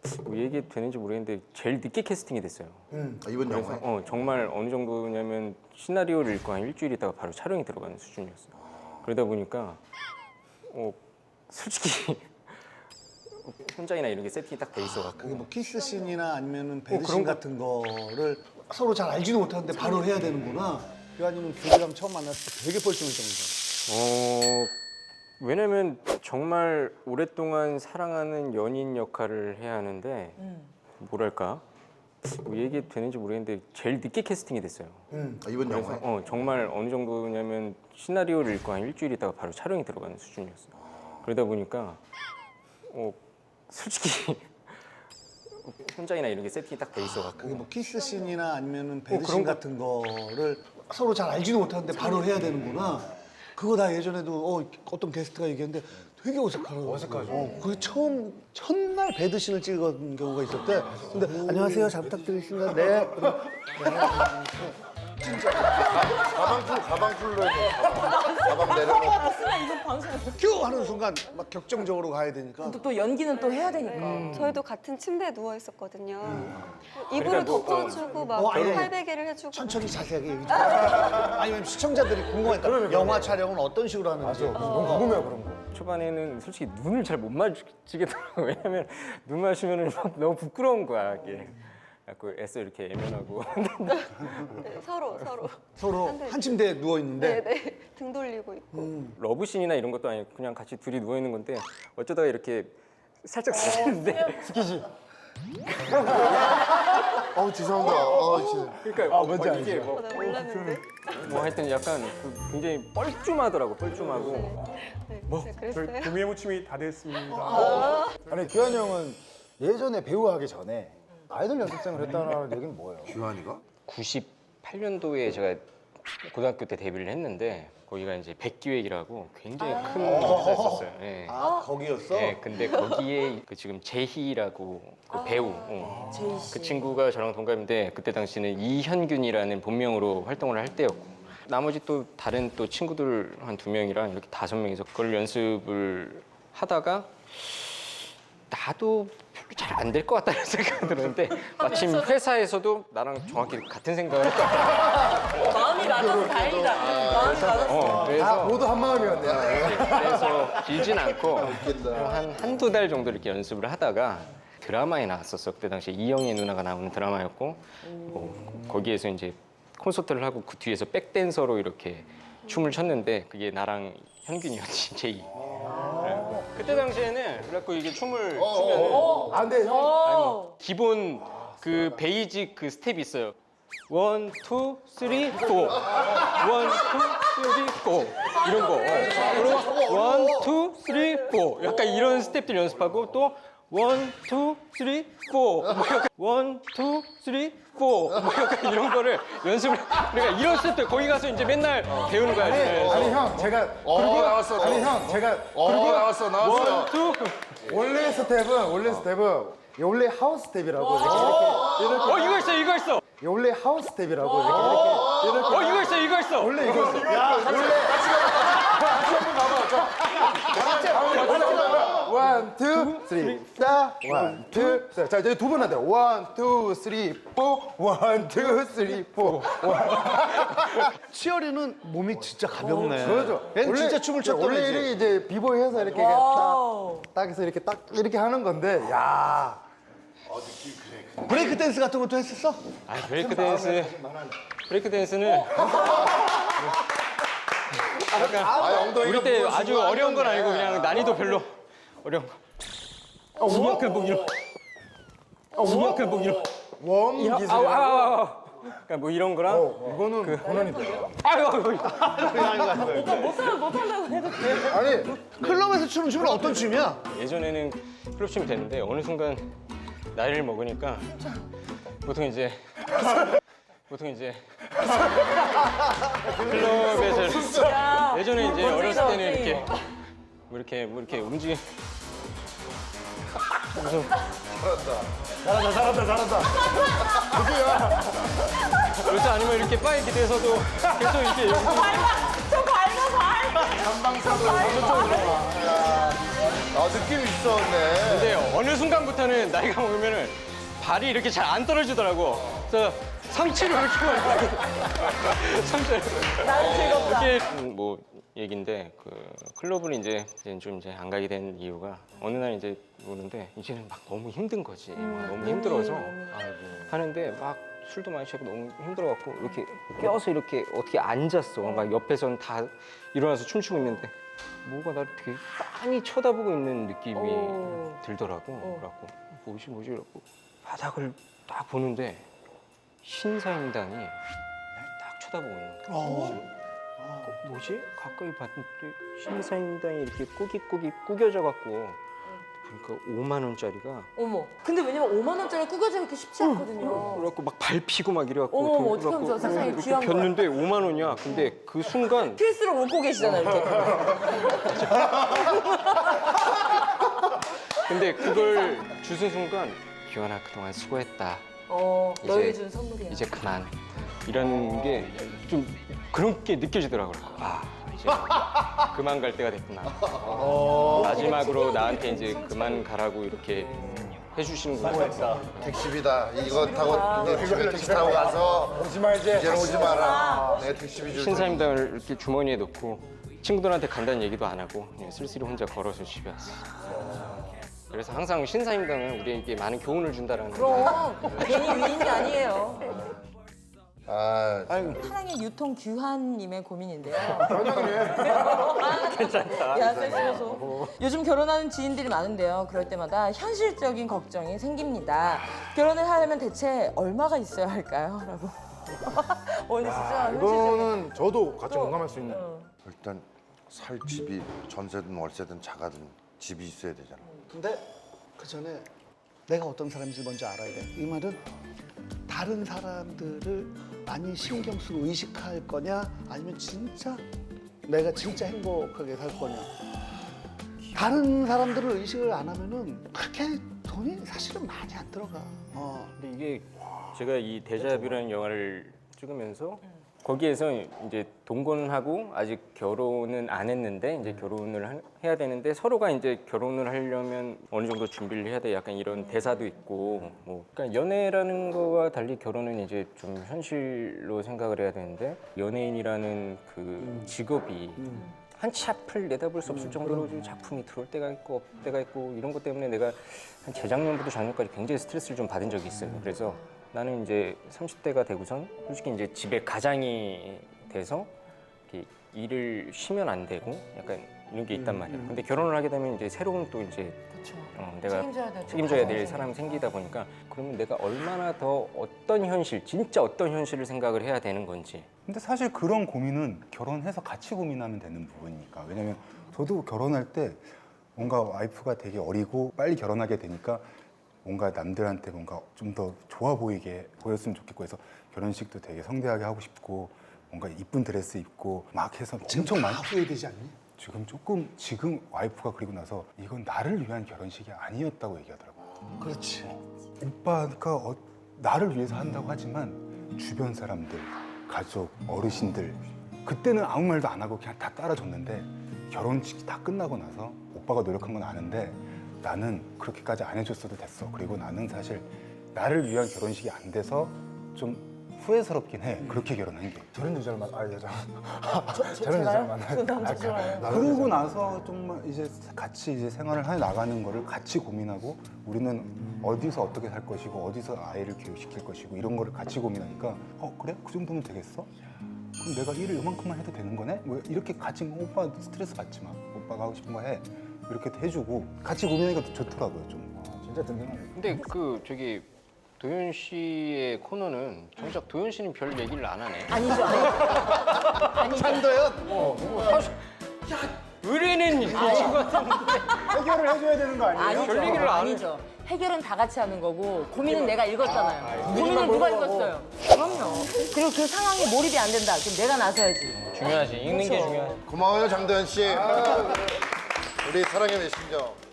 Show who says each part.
Speaker 1: 뭐 얘기 되는지 모르겠는데 제일 늦게 캐스팅이 됐어요.
Speaker 2: 이번
Speaker 1: 그래서
Speaker 2: 영화에?
Speaker 1: 정말 어느 정도냐면 시나리오를 읽고 한 일주일 있다가 바로 촬영이 들어가는 수준이었어요. 그러다 보니까 솔직히 혼자이나 이런 게 세팅이 딱 돼 있어갖고
Speaker 3: 그게 뭐 키스 씬이나 아니면은
Speaker 1: 그런
Speaker 3: 배드씬
Speaker 1: 거-
Speaker 3: 같은 거를 서로 잘 알지도 못하는데 바로 해야 되는구나. 교환이는 교주랑 처음 만났을 때 되게 뻘쭘했던
Speaker 1: 왜냐면 정말 오랫동안 사랑하는 연인 역할을 해야 하는데 뭐랄까 뭐 얘기 되는지 모르겠는데 제일 늦게 캐스팅이 됐어요.
Speaker 2: 이번
Speaker 1: 그래서
Speaker 2: 영화에?
Speaker 1: 정말 어느 정도냐면 시나리오를 읽고 한 일주일 있다가 바로 촬영이 들어가는 수준이었어요. 그러다 보니까 솔직히 혼자이나 이런 게 세팅이 딱 돼 있어갖고
Speaker 3: 그게 뭐 키스 씬이나 아니면은
Speaker 1: 그런
Speaker 3: 배드씬
Speaker 1: 거-
Speaker 3: 같은 거를 서로 잘 알지도 못하는데 바로 해야 되는구나. 그거 나 예전에도 어떤 게스트가 얘기했는데 되게 어색하더라고. 어색하죠. 그게 첫날 배드씬을 찍은 경우가 있었대. 근데 안녕하세요, 잘 부탁드리겠습니다. 네.
Speaker 2: 가방 풀로 해서 가방 내려놓고.
Speaker 4: 쓰면 이거 방송
Speaker 3: 큐 하는 순간 막 격정적으로 가야 되니까.
Speaker 4: 또 연기는 또 해야 되니까.
Speaker 5: 저희도 같은 침대에 누워 있었거든요.
Speaker 1: 그러니까
Speaker 5: 이불을
Speaker 1: 뭐,
Speaker 5: 덮어주고 막
Speaker 3: 아니,
Speaker 5: 팔베개를 해주고.
Speaker 3: 천천히 자세하게 얘기 좀 해주세요. 아니면 시청자들이 궁금하니까 영화 촬영은 어떤 식으로 하는지.
Speaker 6: 너무 궁금해요 그런 거.
Speaker 1: 초반에는 솔직히 눈을 잘 못 마주치겠더라고요. 왜냐면 눈 마주치면 막 너무 부끄러운 거야 이게. 자꾸 애써 이렇게 애면하고
Speaker 5: 네, 서로.
Speaker 3: 서로 한 침대에 누워 있는데.
Speaker 5: 네네. 등 돌리고 있고.
Speaker 1: 러브씬이나 이런 것도 아니고 그냥 같이 둘이 누워 있는 건데 어쩌다가 이렇게 살짝 스치는데
Speaker 2: 죄송합니다. 진짜.
Speaker 1: 그러니까
Speaker 6: 뭔지 알죠.
Speaker 1: 이게
Speaker 5: 나 몰랐는데.
Speaker 1: 뭐 하여튼 약간 굉장히 뻘쭘하더라고 뻘쭘하고
Speaker 5: 네, 그랬어요.
Speaker 7: 구미의 무침이 다 됐습니다.
Speaker 6: 아니 규환이 형은 예전에 배우 하기 전에 아이돌 연습생을 했다는 얘기는 뭐예요?
Speaker 2: 규환이가?
Speaker 1: 98년도에 제가 고등학교 때 데뷔를 했는데 거기가 이제 백기획이라고 굉장히 큰 회사였었어요. 예.
Speaker 3: 거기였어?
Speaker 1: 네, 근데 거기에 그 지금 제희라고 그 배우,
Speaker 4: 제이 씨.
Speaker 1: 그 친구가 저랑 동갑인데 그때 당시는 이현균이라는 본명으로 활동을 할 때였고 나머지 또 다른 또 친구들 한 2명이랑 이렇게 5명이서 그걸 연습을 하다가 나도 별로 잘 안 될 것 같다는 생각이 들었는데 마침 회사에서도 나랑 정확히 같은 생각을 했다.
Speaker 4: 마음이 맞아서 다행이다. 마음이 맞았어.
Speaker 1: 그래서
Speaker 6: 모두 한 마음이었네요.
Speaker 1: 그래서 길진 않고 한두 달 정도 이렇게 연습을 하다가 드라마에 나왔었어. 그때 당시에 이영애 누나가 나오는 드라마였고 거기에서 이제 콘서트를 하고 그 뒤에서 백댄서로 이렇게 춤을 췄는데 그게 나랑 현균이었지, 제이. 그때 당시에는 그래갖고 이게 춤을 추면
Speaker 6: 안 돼, 형.
Speaker 1: 기본 그 베이직 그 스텝이 있어요. 1, 2, 3, 4. 1, 2, 3, 4. 이런 거. 그리고 1, 2, 3, 4. 약간 이런 스텝들 연습하고 또 1, 2, 3, 4. 뭐 약간 1, 2, 3, 4. 뭐 약간 이런 거를 연습을. 그러니까 이런 스텝들 거기 가서 이제 맨날 배우는 거야.
Speaker 6: 아니 형 제가
Speaker 2: 나왔어.
Speaker 6: 아니 형 제가
Speaker 2: 나왔어.
Speaker 1: 1, 2.
Speaker 6: 원래 스텝은 원래 하우스 스텝이라고 이렇게
Speaker 1: 이거 있어.
Speaker 6: 원래 하우스 스텝이라고 이렇게
Speaker 1: 이거 있어.
Speaker 6: 원래 이거 원, 투, 쓰리, 사, 원, 투, 자, 자, 이제 두 번 한대. 원, 투, 쓰리, 포, 원, 투, 쓰리, 포.
Speaker 3: 치어리는 몸이 진짜 가볍네.
Speaker 6: 그러죠.
Speaker 3: 얘는 진짜 춤을 췄던
Speaker 6: 원래
Speaker 3: 애지.
Speaker 6: 이렇게 이제 비보이 해서 이렇게 딱 해서 이렇게 딱 이렇게 하는 건데, 야.
Speaker 3: 브레이크 댄스 같은 것도 했었어?
Speaker 1: 아니 브레이크 댄스는 약간 우리 때 아주 어려운 건 아니고 그냥 난이도 별로 어려운 거. 약간 뭐 이런. 약간 뭐 이런.
Speaker 6: 웜 기술.
Speaker 1: 그러니까 뭐 이런 거랑.
Speaker 6: 이거는 고난이다.
Speaker 4: 못한다고 해도 돼.
Speaker 6: 아니,
Speaker 3: 클럽에서 추는 춤은 어떤 춤이야?
Speaker 1: 예전에는 클럽 춤이 됐는데 어느 순간 나이를 먹으니까 보통 이제 클럽에서 예전에 이제 어렸을 때는 이렇게 뭐 이렇게 움직이.
Speaker 6: 잘한다.
Speaker 1: 그래서 아니면 이렇게 바에 기대서도 계속 이렇게
Speaker 4: 좀 밟아.
Speaker 6: 전방사도
Speaker 2: 느낌 있었네.
Speaker 1: 근데 어느 순간부터는 나이가 먹으면은 발이 이렇게 잘 안 떨어지더라고. 그래서 상체를 이렇게 하고 상체를
Speaker 4: 나는 즐겁다.
Speaker 1: 이렇게 뭐 얘긴데 그 클럽을 이제 좀 이제 안 가게 된 이유가 어느 날 이제 오는데 이제는 막 너무 힘든 거지. 막 너무 힘들어서 하는데 막 술도 많이 취하고 너무 힘들어갖고 이렇게 껴서 이렇게 어떻게 앉았어. 막 옆에서는 다 일어나서 춤추고 있는데 뭐가 나를 되게 빤히 쳐다보고 있는 느낌이 들더라고. 그래갖고 뭐지 이러고 바닥을 딱 보는데 신사임당이 날 딱 쳐다보고 있는 거야. 뭐지? 가까이 봤는데 신사임당이 이렇게 꾸깃꾸깃 구겨져 갖고 그러니까 5만 원짜리가
Speaker 4: 어머. 근데 왜냐면 5만 원짜리 꾸겨져 있기 쉽지 않거든요.
Speaker 1: 그래갖고 막 밟히고 막 이래갖고
Speaker 4: 어머,
Speaker 1: 돈
Speaker 4: 어떻게 하면 좋아?
Speaker 1: 그래갖고
Speaker 4: 세상에
Speaker 1: 이렇게
Speaker 4: 귀한 거야.
Speaker 1: 폈는데 5만 원이야. 근데 그 순간
Speaker 4: 필수로 웃고 계시잖아요, 이렇게.
Speaker 1: 근데 그걸 주는 순간 기현아 그동안 수고했다. 이제-
Speaker 4: 너에게 준 선물이야.
Speaker 1: 이제 그만. 이라는 게 좀 그렇게 느껴지더라고요. 아, 이제 그만 갈 때가 됐구나. 마지막으로 나한테 이제 그만 가라고 이렇게 해주시는구나.
Speaker 2: 택시비다. 이거 타고 이제 집에 택시 타고 가서
Speaker 6: 오지 말지.
Speaker 2: 이제는 오지 마라. 내 택시비 줄 테니.
Speaker 1: 신사임당을 이렇게 주머니에 넣고 친구들한테 간다는 얘기도 안 하고 그냥 쓸쓸히 혼자 걸어서 집에 왔어. 그래서 항상 신사임당은 우리에게 많은 교훈을 준다라는
Speaker 4: 그럼 괜히 위인 게 아니에요.
Speaker 2: 아,
Speaker 4: 사랑의 유통 규환님의 고민인데요. 괜찮다. 야, 섹시해서. 요즘 결혼하는 지인들이 많은데요. 그럴 때마다 현실적인 걱정이 생깁니다. 결혼을 하려면 대체 얼마가 있어야 할까요? 라고. 오늘 진짜 현실적인.
Speaker 6: 이거는 저도 같이 공감할 수 있는.
Speaker 2: 일단 살 집이 전세든 월세든 자가든 집이 있어야 되잖아.
Speaker 3: 근데 그 전에 내가 어떤 사람인지 먼저 알아야 돼. 이 말은 다른 사람들을 많이 신경 쓰고 의식할 거냐, 아니면 진짜 내가 진짜 행복하게 살 거냐. 다른 사람들을 의식을 안 하면은 그렇게 돈이 사실은 많이 안 들어가.
Speaker 1: 근데 이게 제가 이 데자뷰라는 영화를 찍으면서 거기에서 이제 동거하고 아직 결혼은 안 했는데 이제 결혼을 해야 되는데 서로가 이제 결혼을 하려면 어느 정도 준비를 해야 돼. 약간 이런 대사도 있고 뭐 그러니까 연애라는 거와 달리 결혼은 이제 좀 현실로 생각을 해야 되는데 연예인이라는 그 직업이 한치 앞을 내다볼 수 없을 정도로 좀 작품이 들어올 때가 있고 없을 때가 있고 이런 것 때문에 내가 한 재작년부터 작년까지 굉장히 스트레스를 좀 받은 적이 있어요. 그래서 나는 이제 30대가 되고선 솔직히 이제 집에 가장이 돼서 이렇게 일을 쉬면 안 되고 약간 이런 게 있단 말이야. 근데 결혼을 하게 되면 이제 새로운 또 이제 내가 책임져야 될 사람이 생기다 보니까 그러면 내가 얼마나 더 어떤 현실, 진짜 어떤 현실을 생각을 해야 되는 건지.
Speaker 8: 근데 사실 그런 고민은 결혼해서 같이 고민하면 되는 부분이니까. 왜냐면 저도 결혼할 때 뭔가 와이프가 되게 어리고 빨리 결혼하게 되니까 뭔가 남들한테 뭔가 좀 더 좋아 보이게 보였으면 좋겠고 해서 결혼식도 되게 성대하게 하고 싶고 뭔가 이쁜 드레스 입고 막 해서 엄청 많이
Speaker 3: 후회되지 않니?
Speaker 8: 지금 와이프가 그리고 나서 이건 나를 위한 결혼식이 아니었다고 얘기하더라고.
Speaker 3: 그렇지.
Speaker 8: 오빠가 나를 위해서 한다고 하지만 주변 사람들, 가족, 어르신들 그때는 아무 말도 안 하고 그냥 다 따라줬는데 결혼식이 다 끝나고 나서 오빠가 노력한 건 아는데 나는 그렇게까지 안 해줬어도 됐어. 그리고 나는 사실 나를 위한 결혼식이 안 돼서 좀 후회스럽긴 해. 그렇게 결혼한 게.
Speaker 6: 저런 여자를 여자. 저런 여자를 만나.
Speaker 8: 그러고 나서 정말 이제 같이 이제 생활을 해 나가는 거를 같이 고민하고 우리는 어디서 어떻게 살 것이고 어디서 아이를 교육시킬 것이고 이런 거를 같이 고민하니까 그래? 그 정도면 되겠어? 그럼 내가 일을 이만큼만 해도 되는 거네? 뭐 이렇게 같이 오빠 스트레스 받지 마. 오빠가 하고 싶은 거 해. 이렇게 해주고 같이 고민하니까 더 좋더라고요 좀.
Speaker 6: 진짜 든든하네.
Speaker 1: 근데 그 저기 도현 씨의 코너는 정작 도현 씨는 별 얘기를 안 하네.
Speaker 4: 아니죠, 아니죠.
Speaker 2: 찬도연.
Speaker 1: 의뢰는 이 친구 같은데.
Speaker 6: 해결을 해줘야 되는 거 아니에요?
Speaker 4: 아니죠.
Speaker 1: 별 얘기를 안
Speaker 4: 아니죠. 해결은 다 같이 하는 거고 고민은 내가 읽었잖아요. 고민은 누가 읽었어요? 그럼요. 그리고 그 상황에 몰입이 안 된다. 그럼 내가 나서야지.
Speaker 1: 중요하지. 읽는 게 중요하지.
Speaker 2: 고마워요 장도연 씨. 우리 사랑의 메신저.